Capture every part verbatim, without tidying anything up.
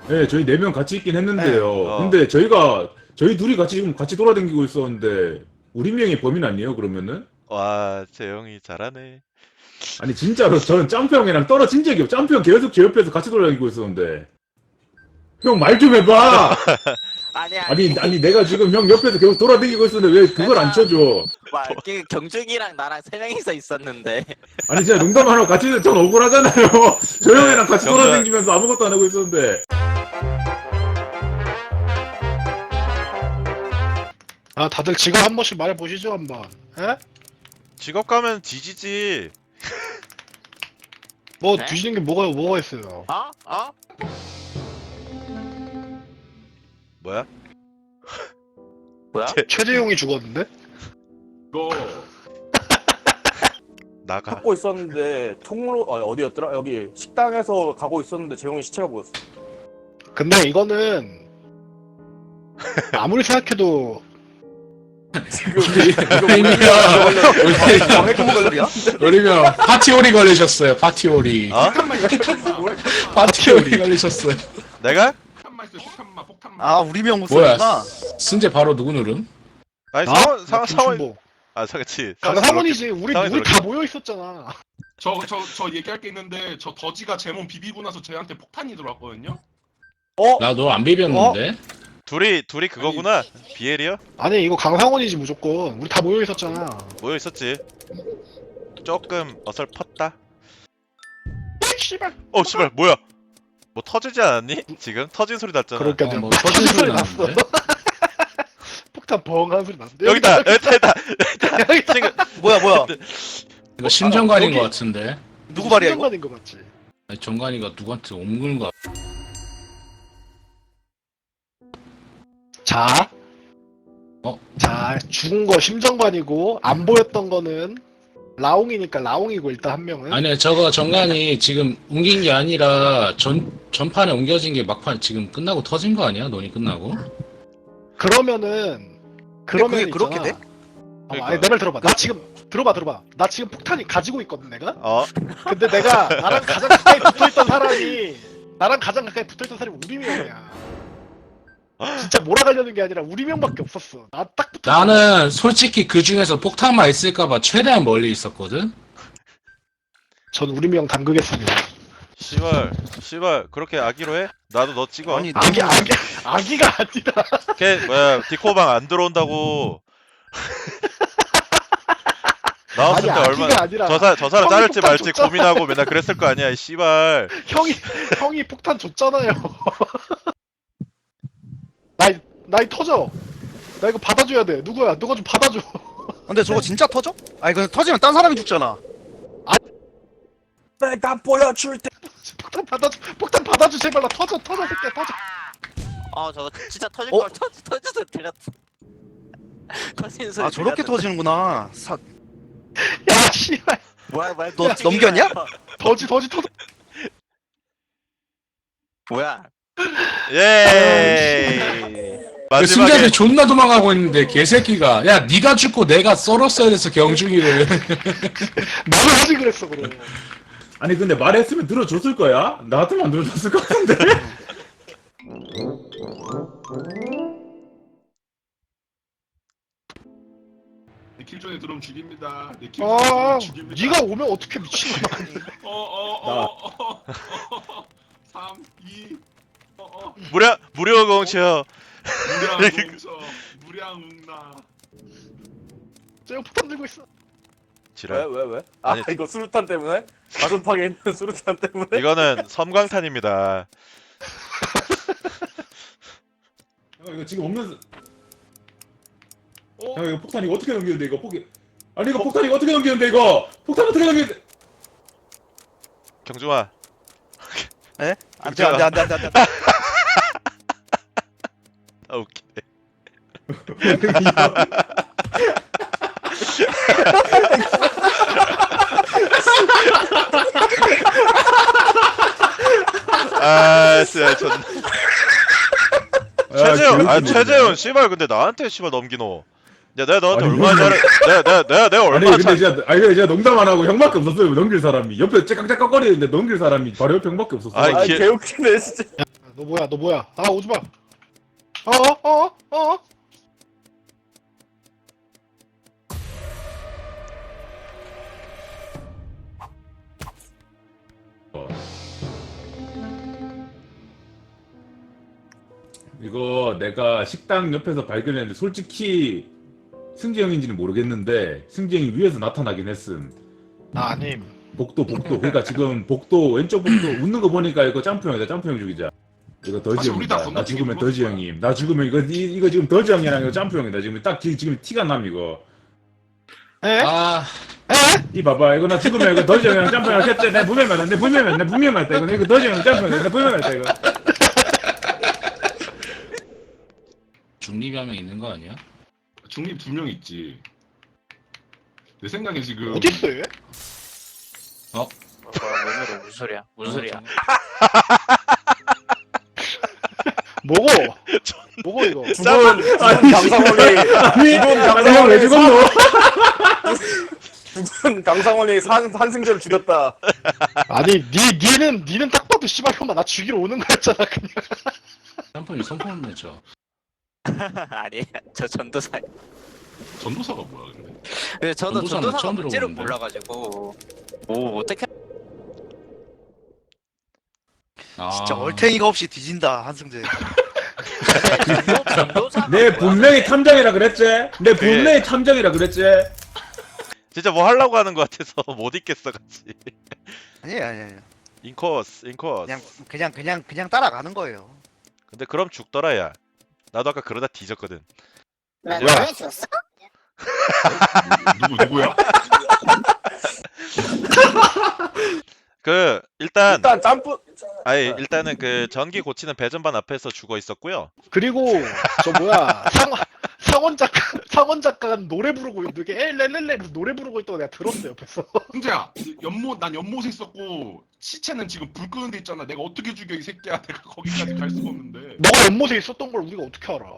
네, 저희 네 명 같이 있긴 했는데요. 어. 근데 저희가 저희 둘이 같이 지금 같이 돌아다니고 있었는데 우리 명이 범인 아니에요? 그러면은? 와, 재영이 잘하네. 아니 진짜로 저는 짬프 형이랑 떨어진 적이 없. 짬프 형 계속 제 옆에서 같이 돌아다니고 있었는데 형 말 좀 해봐. 아니 아니. 아니 아니 내가 지금 형 옆에서 계속 돌아다니고 있었는데 왜 그걸 안 쳐줘? 막 그 경준이랑 나랑 세 명이서 있었는데. 아니 진짜 농담 안 하고 같이 전 억울하잖아요. 저 형이랑 같이 정말. 돌아다니면서 아무것도 안 하고 있었는데. 아 다들 직업 한 번씩 말해보시죠 한번. 에? 직업 가면 뒤지지. 뭐 네? 뒤지는 게 뭐가 뭐가 있어요? 어? 어? 뭐야? 뭐야? 최재용이 죽었는데? 이거 나가. 찾고 있었는데 통로 어, 어디였더라? 여기 식당에서 가고 있었는데 재용이 시체가 보였어. 근데 이거는 아무리 생각해도 지금 이거 정액 걸리야? 우리면 파티오리 걸리셨어요. 파티오리. 어? 파티오리 걸리셨어요. 내가? 폭탄만 있어. 폭탄만 폭탄만. 아 우리 명 뭐야? 목소리구나. 승재 바로 누구 누름? 아니 나? 상원 나 상원 상원. 김춘보. 아, 그렇지. 아, 나 상원이지. 우리 상원이 우리 저렇게. 다 모여 있었잖아. 저 저 저 얘기할 게 있는데 저 더지가 제 몸 비비고 나서 쟤한테 폭탄이 들어왔거든요. 나 너 안 비볐는데? 둘이 둘이 그거구나. 비엘이요? 아니 이거 강상원이지 무조건. 우리 다 모여 있었잖아. 모여 있었지. 조금 어설펐다. 씨발. 어, 씨발, 뭐야? 뭐 터지지 않았니? 지금 터진 소리 났잖아. 그러니까 어, 뭐 터진 터진 소리 소리 났어. 났는데? 폭탄 벙한 소리 났는데. 여기다, 여기다, 여기다. 여기다. 지금 뭐야 뭐야? 이거 심정관인 여기. 것 같은데? 누구 말이야 이거? 상관인 거 맞지? 아니, 정관이가 누구한테 옮기는 거. 자. 어? 자 죽은 거 심정관이고 안 보였던 거는 라옹이니까 라옹이고 일단 한 명은. 아니 저거 정관이 지금 옮긴 게 아니라 전 전판에 옮겨진 게 막판 지금 끝나고 터진 거 아니야? 논이 끝나고? 그러면은 그러면 그게 그렇게 있잖아. 돼? 어, 아니 내 말 들어봐. 나 지금 들어봐 들어봐. 나 지금 폭탄이 가지고 있거든 내가. 어? 근데 내가 나랑 가장 가까이 붙어있던 사람이 나랑 가장 가까이 붙어있던 사람이 우리 명이야. 진짜 몰아가려는 게 아니라 우리 명밖에 없었어. 나 딱 붙어. 나는 솔직히 그 중에서 폭탄만 있을까봐 최대한 멀리 있었거든? 전 우리 명 담그겠습니다. 씨발, 씨발, 그렇게 아기로 해? 나도 너 찍어. 아니 아기 아기 아기가 아니라. 걔 뭐야? 디코방 안 들어온다고. 나왔을 아니, 때 아기가 얼마나 아니라 저, 사, 저 사람 형이 자를지 폭탄 말지 줬잖아. 고민하고 맨날 그랬을 거 아니야, 이 씨발. 형이 형이 폭탄 줬잖아요. 나이 나이 터져. 나 이거 받아줘야 돼. 누구야? 누가 좀 받아줘. 근데 저거 진짜 터져? 아니 그 터지면 딴 사람이 죽잖아. 내가 보여줄 때. 폭탄 받아줘. 폭탄 받아줘 제발 나 터져 터져 새끼야 터져. 어 저거 진짜 터질 어? 걸 터지 터져서 들렸어. 터지는 소리. 아 저렇게 들렸어. 터지는구나. 사... 야 씨발. 뭐야 뭐야? 너 움직이는 넘겼냐? 거야. 더지 더지 터져. 뭐야? 예. 마지막에 승재한테 존나 도망가고 있는데 개새끼가 야 니가 죽고 내가 썰었어야 돼서 경중이를. 뭘 하지 그랬어 그럼. 아니 근데 말했으면 들어줬을 거야? 나 같으면 안 들어줬을 것 같은데. 내킬 존에 들어오면 죽입니다. 내킬 아, 존에 들어오면 죽입니다. 네가 오면 어떻게 미친놈아. 어어어어 삼, 이, 어어 무려 무료 공치요. 무량 공서 무량 웅나. 쟤 폭탄 들고 있어. 지랄. 왜 왜? 아 아니, 이거 수류탄 때문에? 가슴팍에 있는 수류탄 때문에? 이거는 섬광탄입니다. 형 이거 지금 없는. 어? 형 이거 폭탄 이거 어떻게 넘기는데 이거 폭이. 아니 이거 폭탄 이거 어떻게 넘기는데 이거? 폭탄 어떻게 넘기는데? 경중아. 에? 안돼 안돼 안돼 안돼 안돼. 아 웃기네. 아, 진짜 전. 최재훈, 아 최재훈, 씨발 근데 나한테 씨발 넘기노. 야, 내가 너한테 아니, 얼마나 잘해? 내가 내가 내가 내가 아니 얼마나 근데 잘? 진짜 아니 근데 진짜 농담 안 하고 형밖에 없었어요 넘길 사람이. 옆에 째깍째깍거리는데 넘길 사람이 바로 옆에 형밖에 없었어. 아이, 아 기- 개웃기네 진짜. 너 뭐야 너 뭐야 아 오지마 어어어어 어? 이거 내가 식당 옆에서 발견했는데 솔직히 승재 형인지는 모르겠는데 승재 형이 위에서 나타나긴 했음. 나 아님 복도 복도 그러니까 지금 복도 왼쪽 복도 웃는 거 보니까 이거 점프 형이다. 점프 형 죽이자. 이거 더지 사실 우리 다 형이다. 나 건너뛰기 죽으면 더지 불렀을 형임. 나 죽으면 이거 이, 이거 지금 더지 형이랑 이거 점프 형이다. 지금 딱 지- 지금 티가 남 이거. 에? 아, 이 봐봐 이거 나 죽으면 이거 더지 형이랑 점프 형이랑 했대. 내 분명히 말했다. 내 분명히 말했다. 내 분명히 말했다. 이거 이거 더지 형이랑 점프 형이다. 내 분명히 말했다 이거. 중립이 한 명 있는 거 아니야? 중립 두 명 있지. 내 생각에 지금 어딨어 얘? 어, 뭐야 뭔 소리야 무슨 소리야 무슨 소리야 뭐고? 뭐고 이거? 죽은 아니, 강상원이 아니 이건 아니 형왜 죽었노? 죽은 강상원이 산 한승재를 죽였다. 아니 니 니는 니는 딱 봐도 씨발 형아 나 죽이러 오는 거였잖아 그냥. 짬뽕이 손톱을 맺혀. 아니 저 전도사 전도사가 뭐야 근데? 근데 저도 전도사는 전도사가 처음 뭔지를 들어보는데. 몰라가지고 뭐 어떻게 아, 진짜 얼탱이가 없이 뒤진다 한승재. 전도, 전도사가 내 뭐야, 분명히 근데? 탐정이라 그랬지? 내 분명히 탐정이라 그랬지? 진짜 뭐 하려고 하는 것 같아서 못 있겠어 같이. 아니 아니 아니. 인코스 인코스. 그냥 그냥 그냥 그냥 따라가는 거예요. 근데 그럼 죽더라 야. 나도 아까 그러다 뒤졌거든. 왜 죽었어? 누구 누구야? 그 일단 일단 점프 아니 일단은 그 전기 고치는 배전반 앞에서 죽어 있었고요. 그리고 저 뭐야 상 상원 작가 상원 작가가 노래 부르고 이게 엘렐렐레 노래 부르고 있다고 내가 들었어 옆에서. 승재야 연못 난 연못에 있었고 시체는 지금 불 끄는 데 있잖아. 내가 어떻게 죽여 이 새끼야. 내가 거기까지 갈 수가 없는데. 너가 연못에 있었던 걸 우리가 어떻게 알아?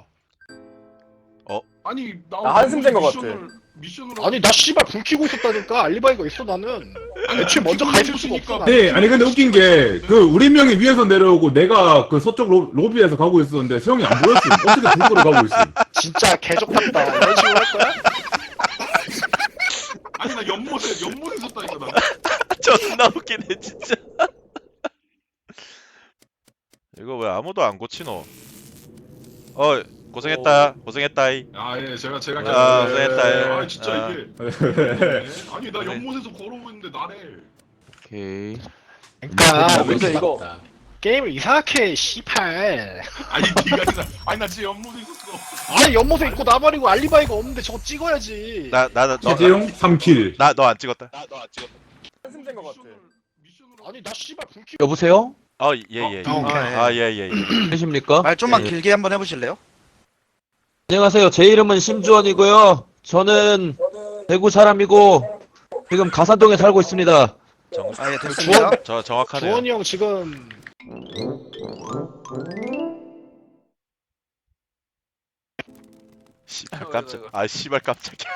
아니 나 나 한승재인 것 미션을- 미션으로 아니 나 씨발 불 켜고 있었다니까 알리바이가 있어 나는. 애초에 먼저 가 있을 수가 없어. 나는. 네, 아니 근데 웃긴 게 그 우리 명이 위에서 내려오고 내가 그 서쪽 로, 로비에서 가고 있었는데 형이 안 보였음. 어떻게 불 끄러 가고 있음? 진짜 개족같다. 이런 식으로 할 거야? 아니 나 연못에 연못에 있었다니까 나. 존나 웃기네 진짜. 이거 왜 아무도 안 고치노? 어 고생했다 고생했다이. 아예 제가 제가 아, 예, 고생했다, 예. 아 진짜 아. 이게 아니 나 연못에서 걸어오고 있는데 나래. 오케이. 그러니까 근데 이거 게임을 이상하게 씨팔. 아니 네가 진짜 아니 나 진짜 연못에 있었어. 아니 연못에 있고 나발이고 알리바이가 없는데 저거 찍어야지. 나나너 최재용 삼 킬. 나 너 안 찍었다. 한승재인 것 같아. 미션으로 아니 나 씨발 불 켜고. 여보세요? 어 예예. 어, 오케이. 아 예예. 예. 계십니까? 말 좀만 예. 길게 한번 해보실래요? 안녕하세요. 제 이름은 심주원이고요. 저는 대구 사람이고 지금 가산동에 살고 있습니다. 정, 아 예 됐습니다. 주원 저 정확하네요. 주원이 형 지금 씨발 깜짝. 아 씨발 깜짝이야.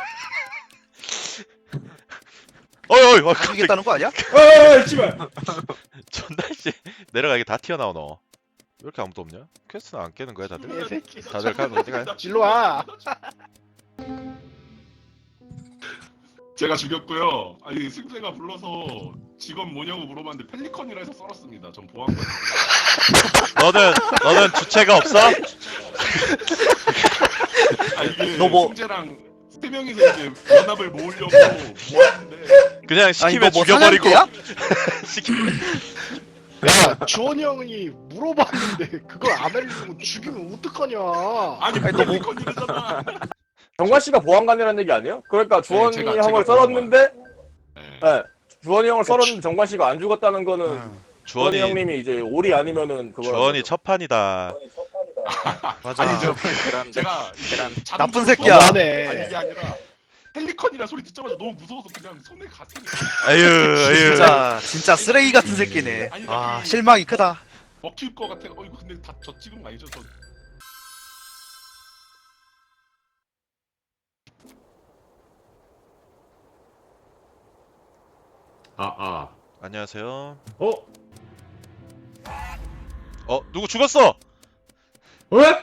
어이 어이 어 깜짝. 죽겠다는 거 아니야? 어, 씨발. 존나 씨 내려가게 다 튀어나오노. 왜 이렇게 아무도 없냐? 퀘스트는 안 깨는 거야 다들? 새끼. 다들 가면 어디 가요? 일로 와. 제가 죽였고요. 아니 승재가 불러서 직업 뭐냐고 물어봤는데 펠리컨이라 해서 썰었습니다. 전 보안관. 너는 너는 주체가 없어? 아 이게 너 뭐- 승재랑 세 명이서 이제 연합을 모으려고 모았는데 그냥 아니 시키면 너뭐 죽여버리고. 사냥개야? 시키면 야 주원이 형이 물어봤는데 그걸 안 알려주면 죽이면 어떡하냐. 아니 아니, 너 뭐- 펠리컨이라잖아. 정관 씨가 보안관이라는 얘기 아니에요? 그러니까 주원이 제가- 형을 제가 썰었는데, 네. 네, 주원이 형을 썰었는데 정관 씨가 안 죽었다는 거는 주원이 주원이 형님이 이제 올이 아니면은 그거. 주원이 첫 판이다. 맞아. 아니 저 그런 제가 그런 자동차 나쁜 새끼야. 쏘- 너무하네. 아니 이게 아니라 펠리컨이라 소리 듣자마자 너무 무서워서 그냥 손에 갔더니 아유 아유. 진짜 진짜 쓰레기 같은 새끼네. 아니, 아 아니. 실망이 크다. 먹힐 것 같아. 어 이거 근데 다 저 찍은 거 아니죠? 저 아, 아. 안녕하세요. 어? 어 누구 죽었어? 왜?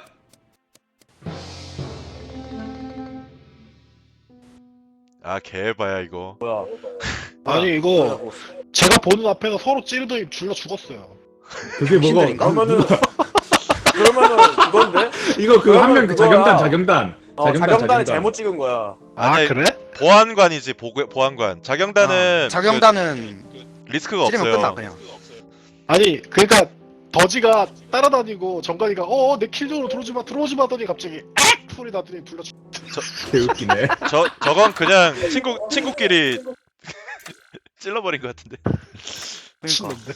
아 개봐야 이거. 뭐야? 아니 이거 제가 보는 앞에서 서로 찌르더니 둘러 죽었어요. 그게 뭐가 신들인가? 그러면은 그러면은 그건데? 이거 그 한 명 그거야. 자경단 자경단 어, 자경단 자경단이 자경단 잘못 찍은 거야. 아 아니, 그래? 보안관이지 보, 보안관. 자경단은 아, 자경단은 그 리스크가 찌르면 없어요. 끝나 그냥. 아니 그러니까 더지가 따라다니고 정관이가 어어 내 킬존으로 들어오지 마 들어오지 마 하더니 갑자기 악 소리 나더니 둘러 죽. 개웃기네. 저 저건 그냥 친구 친구끼리 찔러버린 것 같은데. 그러니까. 미친놈들.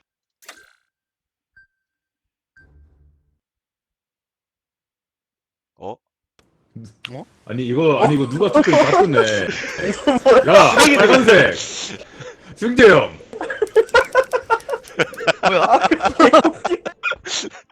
어? 아니 이거 아니 이거 누가 투표를 바꾸네. 야 빨간색 승재형. 뭐야?